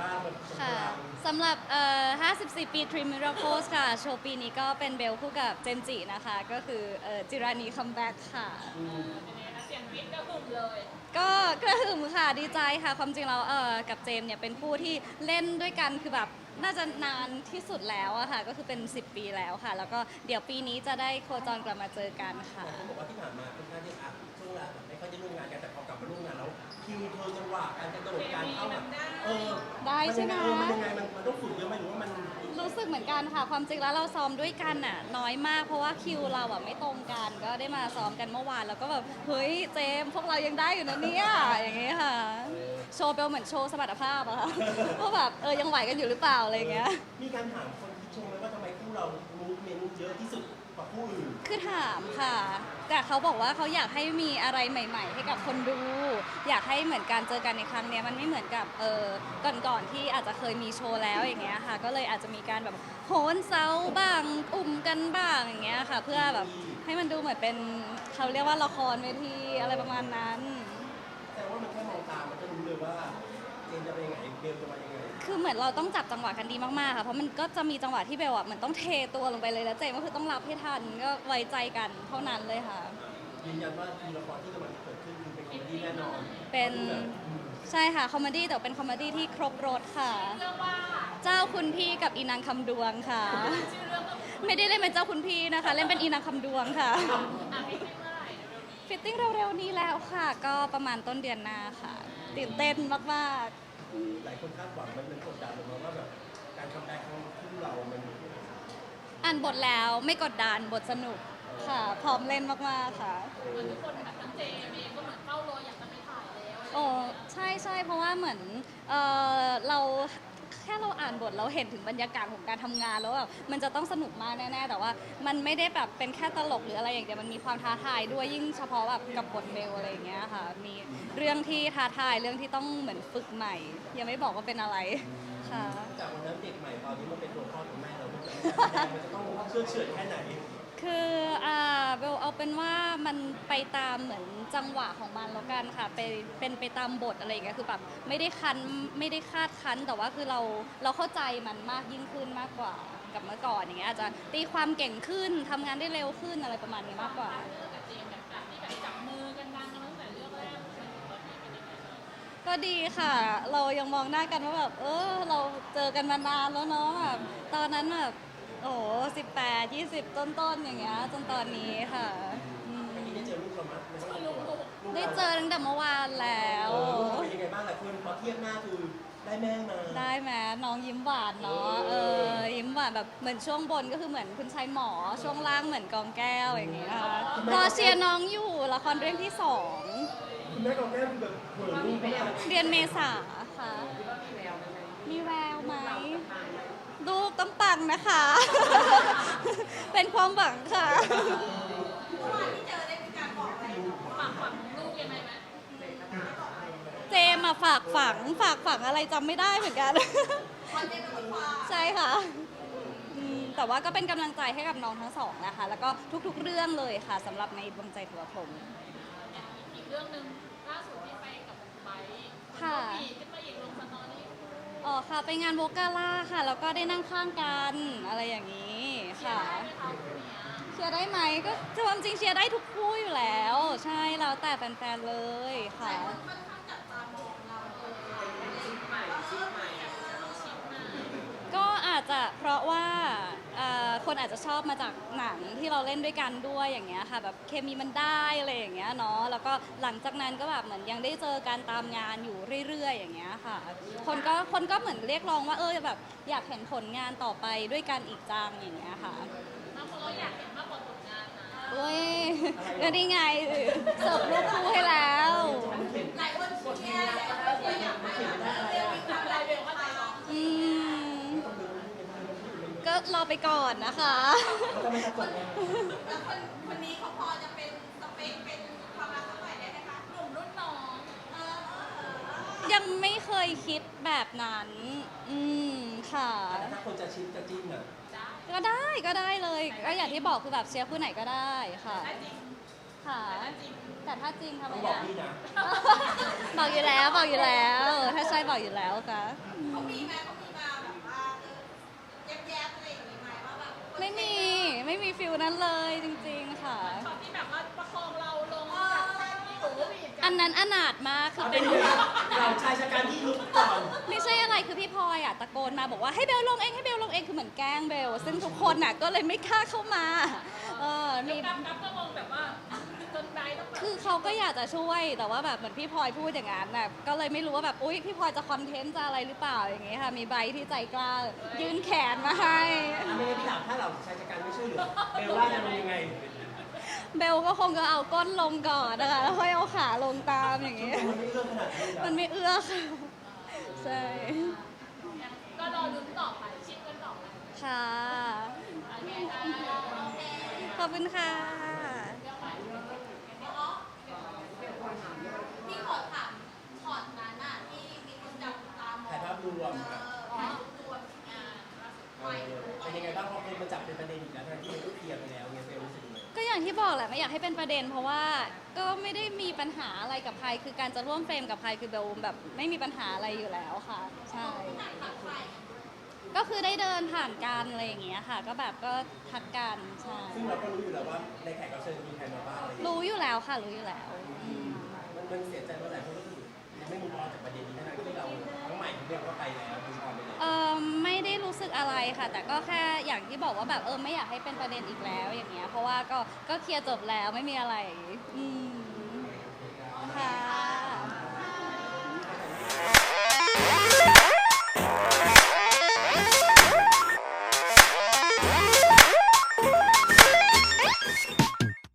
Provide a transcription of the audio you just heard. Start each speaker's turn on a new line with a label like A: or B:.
A: บ้างแบบ
B: ค่ะสำหรับ54 ปี Three Miracles ค่ะโชว์ปีนี้ก็เป็นเบลคู่กับเจมส์จินะคะก็คือจิรานีคัมแบ็กค่ะ
C: เป็นไงคะเสียงวิทย์ก็หึ่มเลย
B: ก็กระหึ่มค่ะดีใจค่ะความจริงแล้วกับเจมส์เนี่ยเป็นคู่ที่เล่นด้วยกันคือแบบน่าจะนานที่สุดแล้วอะค่ะก็คือเป็น10 ปีแล้วค่ะแล้วก็เดี๋ยวปีนี้จะได้โคจรกลับมาเจอกันค่ะ
A: แต่เขาบอกว่าที่ผ่านมาค่อนข้างที่ช่วงแรกไม่ค่อยได้ร่วมงานกันแต่พอกลับมาร่วมงานแล้วคิวเธอจังหวะการกระโดดการเข้าแบบ
B: ได้ใช่ไหม
A: มันยังไงมันต้องฝึกเยอะไหมหรือว่ามัน
B: รู้สึกเหมือนกันค่ะความจริงแล้วเราซ้อมด้วยกันน่ะน้อยมากเพราะว่าคิวเราอะไม่ตรงกันก็ได้มาซ้อมกันเมื่อวานแล้วก็แบบเฮ้ยเจมส์พวกเรายังได้อยู่นะเนี่ยอย่างเงี้ยค่ะโชว์เปลเหมือนโชว์สมรรถภาพอะค่ะว่าแบบยังไหวกันอยู่หรือเปล่าอะไรอย่างเงี้ย
A: มีการถามคนที่ชมไหมว่าทำไมคู่เรามูฟเมนต์เยอะที่สุดกว่าคู่อื่น
B: คือถามค่ะแต่เขาบอกว่าเขาอยากให้มีอะไรใหม่ ๆ ให้กับคนดู อยากให้เหมือนการเจอกันในครั้งเนี้ยมันไม่เหมือนกับก่อนๆที่อาจจะเคยมีโชว์แล้วอย่างเงี้ยค่ะก็เลยอาจจะมีการแบบโหนเซาบ้างอุ่มกันบ้างอย่างเงี้ยค่ะเพื่อแบบให้มันดูเหมือนเป็นเขาเรียกว่าละครเวทีอะไรประมาณนั้น
A: แต่ว่ามันแค่มองตามันก็รู้เลยว่าเจนจะเป็นยังไงเบลจะมายังไง
B: คือเหมือนเราต้องจับจังหวะกันดีมากๆค่ะเพราะมันก็จะมีจังหวะที่เบลอะเหมือนต้องเทตัวลงไปเลยแล้วเจมก็คือต้องรับให้ทันก็ไว้ใจกันเท่านั้นเลยค่ะ
A: ยืนยันว่าทีละครที่กำลังจะเกิดขึ้นคือเป็นคอมเมดี้แน่นอน
B: เป็นใช่ค่ะคอมเมดี้แต่เป็นคอมเมดี้ที่ครบรสค่ะ
C: เรื่องว่า
B: เจ้าคุณพี่กับอีนางคำดวงค่ะ
C: ชื่อเรื่องก็
B: ไม่ได้เล่นเป็นเจ้าคุณพี่นะคะ เล่นเป็นอีนางคำดวงค่ะ
C: ไม่ใช่เมื่อไหร่เร็วๆนี้
B: ฟิตติ้งเร็วๆนี้แล้วค่ะ ก็ประมาณต้นเดือนหน้าค่ะตื่นเต้นมาก
A: หลายคนคาดหวังมันกดดันลงมาว่าแบบการคัมแบ็กของคู่เรา มัน
B: ๆอ่านบทแล้วไม่กดดันบทสนุกค่ะ พร้อมเล่นมากๆค่ะ
C: เหมือนทุกคนแบบทั้งเจมเองก็เหมือนเฝ้ารออยากจะไปถ่ายแล้ว
B: โอ้ใช่ใช่เพราะว่าเหมือนเราแค่เราอ่านบทเราเห็นถึงบรรยากาศของการทำงานแล้วแบบมันจะต้องสนุกมากแน่ๆแต่ว่ามันไม่ได้แบบเป็นแค่ตลกหรืออะไรอย่างเดียวมันมีความท้าทายด้วยยิ่งเฉพาะแบบกับบทเบลอะไรอย่างเงี้ยค่ะมีเรื่องที่ท้าทายเรื่องที่ต้องเหมือนฝึกใหม่ยังไม่บอกว่าเป็นอะไรค่ะ
A: จากวันนั้นเด็กใหม่ตอนนี้มันเป็นตัวพ่อตัวแม่เราด้วยมันจะต้องเชื่อเฉื่อยแค่ไหน
B: คือเบลเอาเป็นว่ามันไปตามเหมือนจังหวะของมันแล้วกันค่ะเป็นไปตามบทอะไรอย่างเงี้ยคือแบบไม่ได้คันไม่ได้คาดคั้นแต่ว่าคือเราเข้าใจมันมากยิ่งขึ้นมากกว่ากับเมื่อก่อนอย่างเงี้ยอาจจะตีความเก่งขึ้นทำงานได้เร็วขึ้นอะไรประมาณนี้มากกว่า
C: เรื่องกับเจมแบบที่แบบจับมือกันดังกันตั้งแต่เรื่องแรกจนถึงตอนนี้เป็นยังไงบ้าง
B: ก็ดีค่ะ เรายังมองหน้ากันว่าแบบเราเจอกันมานานแล้วเนาะแบบตอนนั้นแบบโอ้โห18 20ต้นๆอย่างเงี้ยจนตอนนี้ค่ะอืม
A: อันนี้ได้เจอลูกเรามั้ยในห้องตัว
B: ได้เจอตั้งแต่เมื่อวานแล้ว
A: ลูกเป็นยังไงบ้างหลายคนพอเทียบหน้าคือได้แม่มา
B: ได้ไหมน้องยิ้มหวานเนาะยิ้มหวานแบบเหมือนช่วงบนก็คือเหมือนคุณชายหมอช่วงล่างเหมือนกองแก้วอย่างเงี้ยค่ะรอเชียร์น้องอยู่ละครเรื่องที่2
A: คุณแม่กับแม่คือแบบเหมือนลูกมาก
B: เดือนเมษาค่ะมีแววไหมลูกต้องปังนะคะ เป็นความหวังค่ะ
C: ฝั่งลูกยังไงไหม
B: เจมมาฝากฝังอะไรจำไม่ได้เหมือนกัน ใช่ค่ะแต่ว่าก็เป็นกำลังใจให้กับน้องทั้งสองนะคะ แล้วก็ทุกๆเรื่องเลยค่ะสำหรับในดวงใจถือว่าพรหม
C: อีกเรื่องหนึ่งล่าสุดที่ไปกับไบค์
B: ค่ะ
C: ปีขึ้นมาอีกลงสตอรี่
B: อ๋อค่ะไปงานโวกาล่าค่ะ แล้วก็ได้นั่งข้างกันอะไรอย่างนี้ค่ะเชียร์ได้ไหมก็ความจริงเชียร์ได้ทุกคู่อยู่แล้ว ใช่แล้วแต่แฟนๆเลยค่ะ ก็อาจจะเพราะว่าคนอาจจะชอบมาจากหนังที่เราเล่นด้วยกันด้วยอย่างเงี้ยค่ะแบบเคมีมันได้อะไรอย่างเงี้ยเนาะแล้วก็หลังจากนั้นก็แบบเหมือนยังได้เจอการตามงานอยู่เรื่อยๆอย่างเงี้ยค่ะคนก็เหมือนเรียกร้องว่าแบบอยากเห็นผลงานต่อไปด้วยกันอีกจังอย่างเงี้ยค่ะ
C: บางคนเราอยากเห็นมากกว่าผลงานนะ
B: เว้ยก็นี่ไงเสิร์ฟลูกคู่ให้แล้ว
C: หลายคนเชียร์อยากให้เร็วๆทำอะไรเร็วก็ใจร้อน
B: อืมก็รอไปก่อนนะคะ
C: แล้วคนนี้เขาพอจะเป็นสเปคเป็นความรักสักหน่อยได้ไหมคะหนุ่มรุ่นน้อง
B: ยังไม่เคยคิดแบบนั้น ค่ะ
A: ถ้าคนจะชิมจะจิ้นอ่ะ
B: ก็ได้เลยก็อย่างที่บอกคือแบบเชียร์คู่ไหนก็ได้ค่ะ
C: ได้จริง
B: ค่ะ แต่ถ้าจริงทำไม
A: ต้องบอกพี่นะ
B: บอกอยู่แล้ว ถ้าใช่บอกอยู่แล้วค่ะ
C: เขามีไหมเขามีมาแบบว่าแยบๆอะไรอย่างงี้ไหมว่าแบบ
B: ไม่มีฟิลนั้นเลยจริงๆค่ะ
D: ช็อตที่แบบว่าประคองเราลงจากที่หนูบีบ
B: อันนั้นอนาถมากคือ
A: เอา
B: เป็
A: เป็น นยังไงเราชายชะกันที่ลุกก่อน
B: ไม่ใช่อะไรคือพี่พลอยอ่ะตะโกนมาบอกว่าให้เบลลงเองให้เบลลงเองคือเหมือนแกล้งเบลซึ่งทุกคนน่ะก็เลยไม่กล้าเข้ามามี
D: กับก็มองแบบว่าจนไบต้องแบบ
B: คือเขาก็อยากจะช่วยแต่ว่าแบบเหมือนพี่พลอยพูดอย่างนั้นน่ะก็เลยไม่รู้ว่าแบบอุ๊ยพี่พลอยจะคอนเทนต์จะอะไรหรือเปล่าอย่างเงี้ยค่ะมีใบที่ใจกล้ายื่นแขนมาให้
A: ไม่งั้นพี่ถามถ้าเราชายชะกันไม่ช่วยเหลือเบลล่าจะเป็นยังไง
B: เบลก็คงจะเอาก้นลงก่อนนะคะแล้วค่อยเอาขาลงตามอย่างเงี้ย
A: มันไม่เรื่องขนาดนี้
B: มันไม่เอื้อค่ะใช่
D: ก็รอลุ้นต่อไปชิดกันต่อไป
B: ค่ะ
D: โอเคค่ะ
B: ขอบคุณค่ะ
C: พี่ขอถามช็อตนั้นน่ะที่มีคนจับตามอง
A: ถ่ายภาพรวม
C: ถ่ายรูปรวมไม่
A: เป็นยังไงบ้างพอคนมาจับเป็นประเด็นอีกแล้วทั้งที่มันก็เคลียร์ไปแล้วเนี่ยเบลรู้สึกยังไง
B: ก็อย่างที่บอกแหละไม่อยากให้เป็นประเด็น เพราะว่าก็ไม่ได้มีปัญหาอะไรกับใครคือการจะร่วมเฟรมกับใครคือเบลแบบไม่มีปัญหาอะไรอยู่แล้วค่ะใช่ก็คือได้เดินผ่านกันอะไรอย่างเงี้ยค่ะ ก็แบบก็ทักกันใช่
A: ซึ่งเราก็รู้อยู่แล้วว่าในแขกรับเชิญมีใครมาบ้างอะไรอย่างเงี้ย
B: รู้อยู่แล้วค่ะรู้อยู่แล้วอืม
A: มันเสียใจว่าหลายคนก็คือยังไม่มุมมองจากประเด็นนี้ทั้งที่เราทั้งใหม่ทั้งเรียกว่าไปแล้วมุมมองไปแล้ว
B: ไม่ได้รู้สึกอะไรค่ะ แต่ก็แค่อย่างที่บอกว่าแบบไม่อยากให้เป็นประเด็นอีกแล้วอย่างเงี้ยเพราะว่าก็เคลียร์จบแล้วไม่มีอะไรอืมค่ะ